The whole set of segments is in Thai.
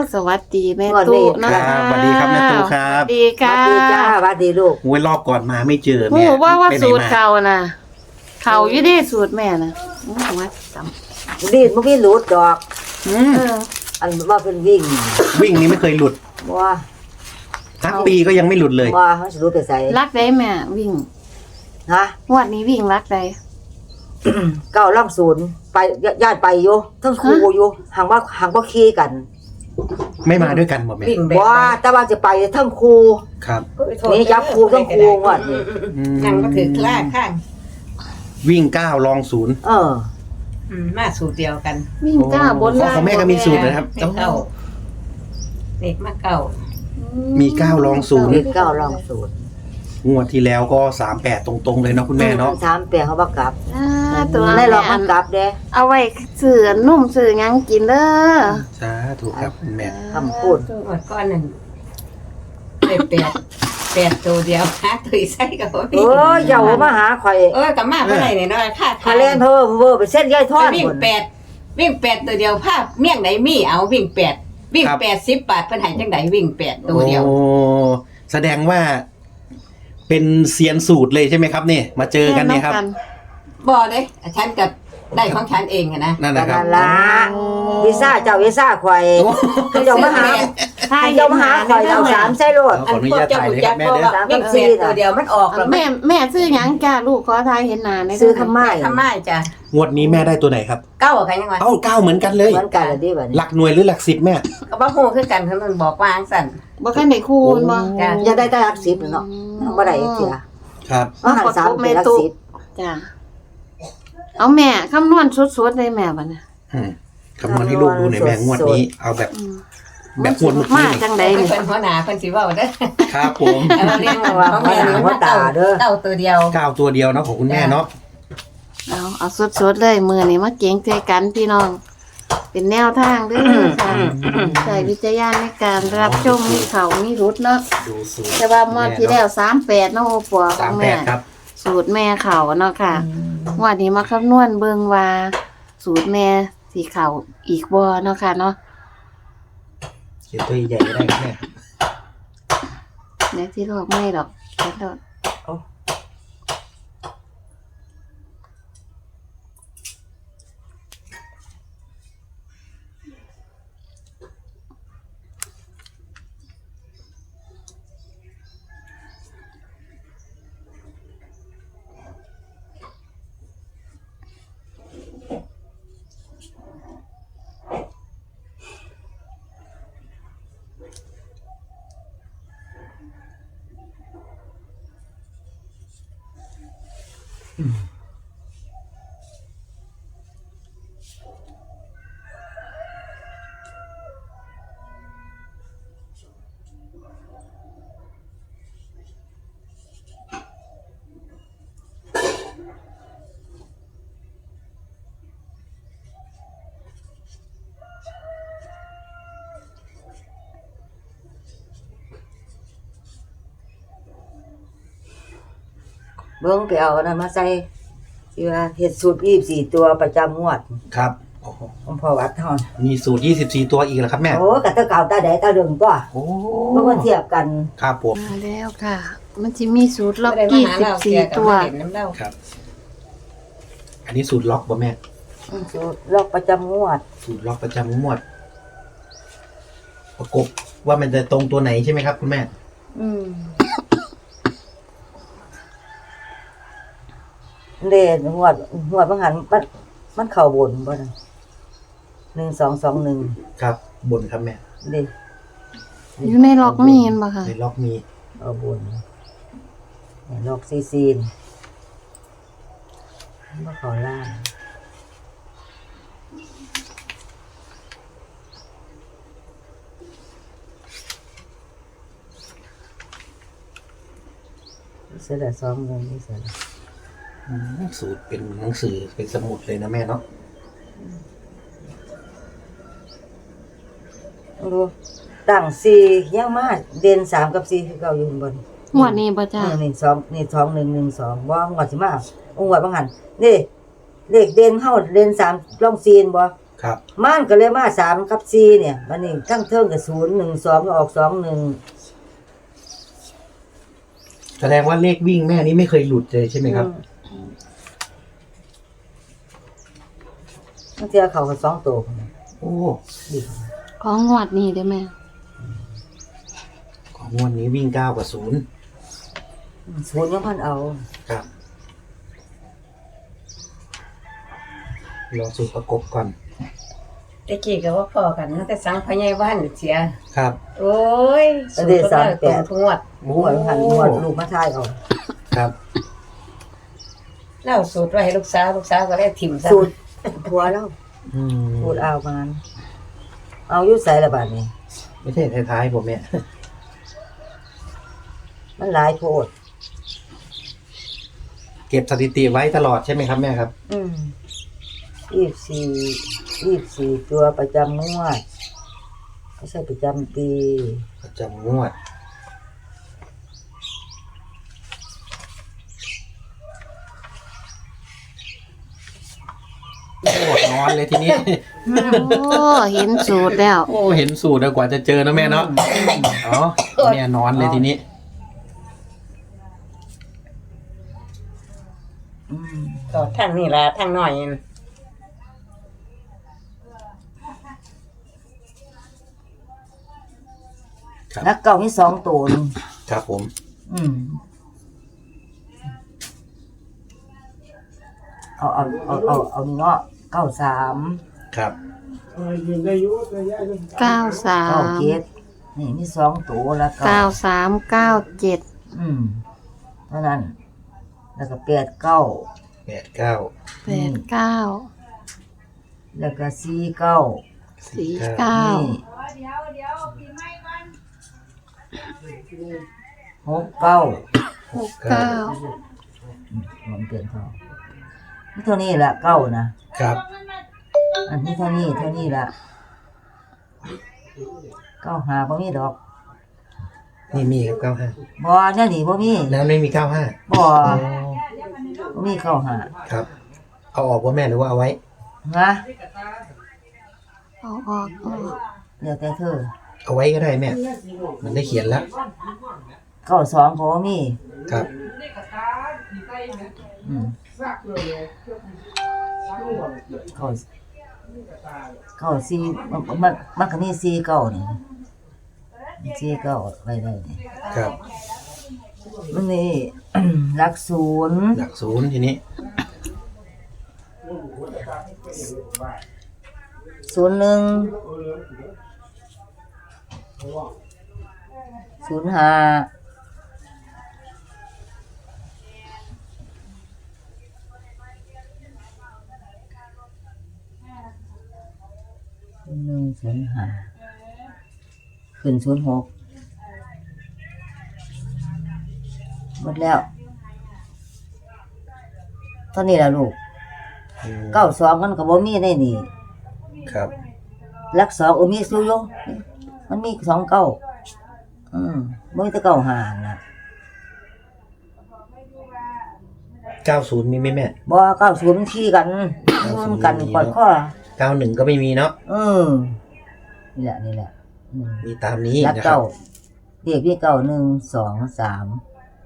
สวัสดีแม่ตู้นะครัคะบสวัสดีครับแม่ตู้ครับสวัสดีสวัค่ะสดีจ้าสวัสดีลูกโอ้ยรอบก่อนมาไม่เจอโอ้แม่ว่าไปไหนสูตรมาเก่าน่ะเขาอยู่ดีสูตรแม่น่ะว่าจำดีดมันมีหลุดดอกอืมเอออันว่าเป็นวิ่งวิ่งนี้ไม่เคยหลุดว่าทั้งปีก็ยังไม่หลุดเลยว่าเขาจะรู้ไปใส่รักได้แม่วิ่งฮะงวดนี้วิ่งรักได้เก้าล่องศูนย์ไปญาติไปอยู่ทั้งครูอยู่ห่างว่าขี่กันไม่มาด้วยกันหมดแม่วิ่งแบบว่าแต่ว่าจะไปทั้งครูครับนี่ยับครูทั้งครูว่านี่อืมยังก็ถือคลาดข้างวิ่ง9ลอง0 เออมาสูตรเดียวกันวิ่งก้าวบนล่างของแม่ก็มีสูตรนะครับเก่าเด็กมาเก่ามี9ลองนี่เก้าล่องศูนย์ 0งวดที่แล้วก็38ตรงๆเลยเนาะคุณแม่เนาะถามเปียเขาบักกลับอ่าตัวได้ลองแม่บักกลับเด้เอาไว้สื่อนุ่มสื่อหยังกินเด้อสาธุครับคุณแม่คำพูดหมดก้อนหนึ่งได้แปดตัวเดียวหาตุยใส่กับเอออย่ามาหาข่อยกับมาเมื่อไหร่เนี่ยน้อยค่าคาเล่นเพิ่มเวอร์ไปเส้นย่อยทอดวิ่งหมด 8ตัวเดียวภาพเมี่ยงไหนมีเอาวิ่ง80 บาทเพิ่นให้จังไดวิ่ง8ตัวเดียวโอ้แสดงว่า เป็นเซียนสูตรเลยใช่ไหมครับเนี่ยมาเจอกันเนี่ยครับบ่เด้ฉันกับได้ของฉันเองอะนะนั่นนะครับนั่นละวีซ่าเจ้าวีซ่าข่อยเจ้ามาหาถ้าเจ้ามาหาข่อยเอาสามใส่รถขออนุญาตถ่ายเลยครับแม่เด้อวิ่ง8ตัวเดียวมันออกแล้วแม่ซื้อหยังจ้าลูกขอทายเห็นหน้าในซื้อทำไมทำไมจ้ะงวดนี้แม่ได้ตัวไหนครับเก้ากันยังไงเอ้า9เหมือนกันเลยเหมือนกันเลยดิบัดหนี้ลักหน่วยหรือหลัก10แม่ก็บ่ฮู้คือกันเพิ่นบอกว่าจังซั่นบ่คันได้คูณบ่จ้ะอยากได้แต่หลักสิบเนาะบ่ได้เสียครับอาหารสามเป็นหลักสิบจ้ะเอาแม่คำนวณสดๆเลยแม่บัดน่ะอืมคำนวณให้ลูกดูหน่อยแม่งวดนี้ เอาแบบแบบงวดเมื่อมากี้จังได๋เพิ่นนี่เป็นหัวหน้าเพิ่นสิเว้าเด้อครับผมเราเรียกว่าของแม่นี่มันเก้าตัวเดียว 9ตัวเดียวเนาะของคุณแม่เนาะเอาสดๆเลยมื้อนี้มาเก่งใจกันพี่น้อง เป็นแนวทางเด้อค่ะใช้วิจารณญาณในการรับชมมีเขามีรุดเนาะดูสูตรแต่ว่ามอดที่แล้ว38เนาะโอปัวของแม่ 38ครับสูตรแม่เขาเนาะค่ะงวันนี้มาคำนวณเบิ่งว่า สูตรแม่สิเขาอีกบ่เนาะค่ะเนาะเขียนตัวใหญ่ๆก็ได้ครับแม่ในที่ลอกไม่ดอกแค่ดอกเบิ่งไปเอาอันนั้นมาใส่ที่ว่าเฮ็ดสูตร24ตัวประจำงวดครับโอ้โหของพ่อวัดเฮามีสูตร24ตัวอีกแล้วครับแม่โอ้กะตะเก่าตาใดตาเดิมตัวโอ้บ่มาเทียบกันครับผมมาแล้วค่ะ มันจะมีสูตรล็อกบ่ได้มาหาเราเสีย 24 กับตัวมาเล่นน้ำเล่าครับ อันนี้สูตรล็อกบ่แม่สูตรลอกประจำงวดสูตรล็อกประจำงวด ประกบว่ามันจะตรงตัวไหนใช่ไหมครับคุณแม่เล่นงวดบางหันมันเข้าบนบ่น่ะ1221 ครับบนครับแม่เด้อยู่ในล็อกมีเห็นบ่ค่ะในล็อกมีเอาบนลอกซีนบ่เข้าล่างเสียละ2เงินนี่เสียละสูตรเป็นหนังสือเป็นสมุดเลยนะแม่เนาะดูตั้ง4ยังมาเด่น3กับ4คือเก่าอยู่ข้างบนงวดนี้บ่จ้านี่2นี่2112บ่งวดสิมาองค์วัดบางหันนี่เลขเด่นเฮาเด่น3ลองซีนบ่ครับมันก็เลยมา3กับ4เนี่ยวันนี้ทั้งเทิงกับ0 1 2ก็ออก2 1 แสดงว่าเลขวิ่งแม่นี้ไม่เคยหลุดเลยใช่ไหมครับมันเทียเขากับ2ตัวโอ้ของงวดนี้ได้ไหมของงวดนี้วิ่ง9 กับ 0 0ยังพันเอาครับรอสูตรประกบก่อนตะกี้ก็ว่าพอกันตั้งแต่สังพญายวันเสียครับโอ้ยสุดยอดตรงทุกงวดหมูหันหมวดลูกมาทายเอาครับแล้วสูตรไว้ให้ลูกสาวก็เลยถิ่มซะสูตรผัวแล้วอืมสูตรเอามันเอาอยู่ใส่ละบาดนี้ไม่ใช่ท้ายๆผมเนี่ยมันหลายโพดเก็บสถิติไว้ตลอดใช่ไหมครับแม่ครับ 24ตัวประจำงวดไม่ใช่ประจำปีประจำงวด โอ้นอนเลยทีนี้โอ้เห็นสูตรแล้วโอ้เห็นสูตรแล้วกว่าจะเจอนะแม่เนาะอ๋อแม่นอนเลยทีนี้ก็ทางนี่ล่ะทางน้อยนั่นครับนักเก่ามี2ตัวนึงครับผมเอาเนาะ93 ครับ 93 97นี่มี2ตัวแล้วก็ 93 97 เท่านั้น แล้วก็89 89 89 แล้วก็49 49 69 69 มันเปลี่ยนเขานี่เท่านี้ละเก้านะครับ อันนี้เท่านี้ละเก้าหาบ่มีดอกนี่มีครับบ่เนี่ยนี่บ่มี 95แล้วไม่มี 95 บ่มีเก้าหาครับ เอาออกว่าแม่หรือว่าเอาไว้ฮะเอาออกเดี๋ยวแต่เธอเอาไว้ก็ได้แม่ มันได้เขียนแล้วเก้าสองก็บ่มีครับอืมเก้าสี่มันก็มีสี่เก้านี่สี่เก้าไว้ได้นี่ครับมันนี่ หลักศูนย์หลักศูนย์ทีนี้ 01 05 ขึ้น06หมดแล้วตอนนี้ล่ะลูก92มันก็บ่มีในนี่ครับหลัก2มีอยู่อยู่มันมี2เก้าบ่มีแต่เก้าหาน่ะ 90มีไหมแม่บ่90มันขี้กันมันกันกอดคอ 91ก็ไม่มีเนาะนี่แหละมีตามนี้หลักนะครัเก้าบเรียกมี9 1 2 3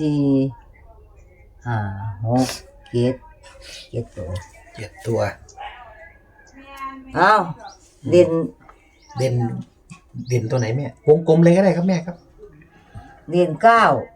4 5 6 7ตัว 7 ตัวอ้าวเด่นเด่นตัวไหนแม่ วงกลมเลยก็ได้ครับแม่ครับเด่น9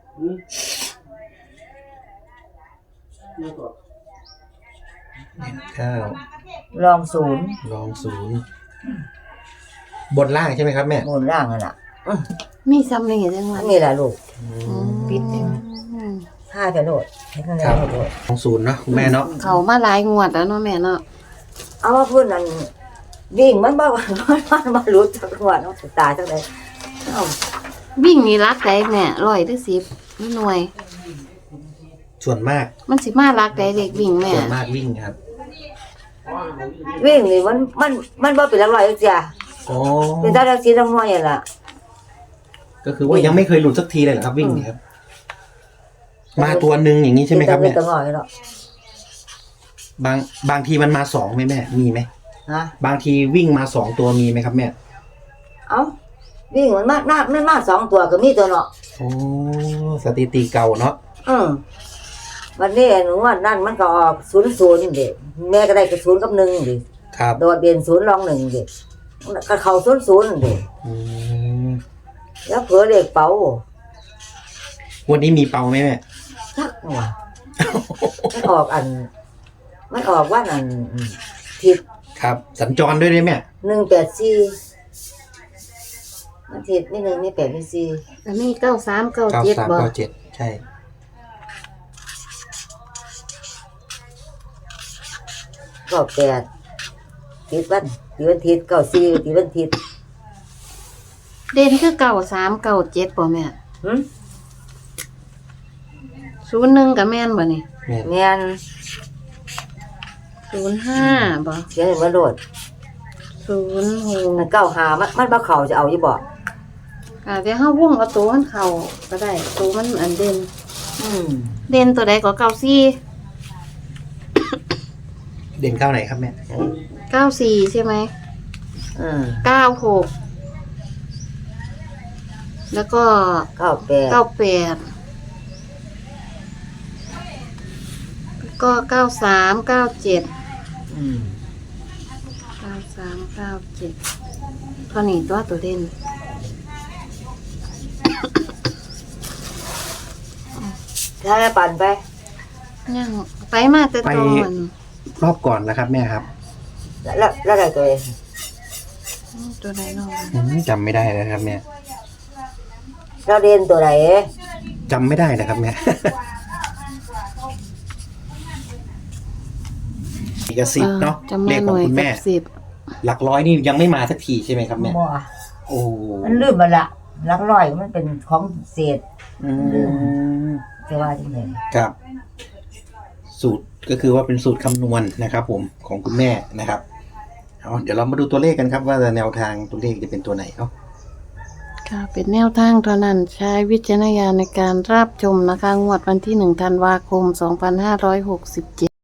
9 รอง0 ลอง0บนล่างใช่ไหมครับแม่บนล่างนั่นน่ะมีซ้ำนี่จังหวะอันนี้ล่ะลูกปิดเลยท่าจะโดดให้ข้างในโดดลอง0เนาะคุณแม่เนาะเขามาหลายงวดแล้วเนาะแม่เนาะเอาว่าพื้นนั่นวิ่งมันบ่มันรู้จักว่าเนาะตายจังได๋เอ้าวิ่งนี่รักได้แม่100หรือ10หรือหน่วยส่วนมากมันสิมารักได้เด็กวิ่งแม่ส่วนมากวิ่งครับวิ่งนี่มันบ่เป็นหลักร้อยจักเที่ยอ๋อเป็นตาดักสิทั้งหน่วยนั่นล่ะก็คือว่ายังไม่เคยหลุดสักทีเลยเหรอครับวิ่งเนี่ยครับ มาตัวหนึ่งอย่างนี้ใช่ไหมครับเป็แม่นตาหน่อยเนาะบางทีมันมา2ไหมแม่ มีไหมฮะบางทีวิ่งมาสองตัวมีไหมครับแม่เอ้าวิ่งมันมากไม่มาก2ตัวก็มีตัวเนาะโอ้สถิติเก่าเนาะวันนี้หนูว่านั่นมันก็ออก00เด็แม่ก็ได้กับ0กับ1ดิครับโดดเด่น0รอง1ดิก็เข้า00ดิอืมแล้วเผื่อเลขเป๋าวันนี้มีเป่าไหมแม่ทักว่ะมันออกว่าอันทิศครับ สัญจรด้วยได้ไหม 184มันทิศนี่1นี่8นี่4 อันนี้93 97บ่ 9397ใช่ 98ทิศวันทิศ94ทิศวันทิศเด่นคือ93 97บ่แม่หึ 01ก็แม่นบ่นี่แม่แม่น 05บ่เสียงมาโดด 06 มัน95มันบ่เข้าจะเอาอยู่บ่ค่ะแต่เฮาวงเอาตัวมันเข้าก็ได้ตัวมันอันเด่นอืมเด่นตัวใดก็94 เด่นเข้าไหนครับแม่ 94ใช่ไหมอืม 96แล้วก็ 98 98แล้วก็93 97 อืม 93 97เท่านี้ตัวเด่นถ้าแม่ปั่นไปยังไปมาแต่ตอนรอบก่อนนะครับแม่ครับแล้วได้ตัวเองตัวใดเนาะจำไม่ได้แล้วครับแม่เราเรียนตัวไหนจำไม่ได้นะครับแม่ อีกกับ10เนาะจำเลมาขหขอน่งวยคุณกัแม่บ10 หลักร้อยนี่ยังไม่มาสักทีใช่ไหมครับแม่บ่โอ้มันลืมมาละหลักร้อยมันเป็นของเศษอืมจะว่าจังได๋ครับ สูตรก็คือว่าเป็นสูตรคำนวณนะครับ ผมของคุณแม่นะครับเอาเดี๋ยวเรามาดูตัวเลขกันครับว่าแนวทางตัวเลขจะเป็นตัวไหนเนาะค่ะเป็นแนวทางเท่านั้นใช้วิจารณญาณในการรับชมนะคะงวดวันที่1 ธันวาคม 2567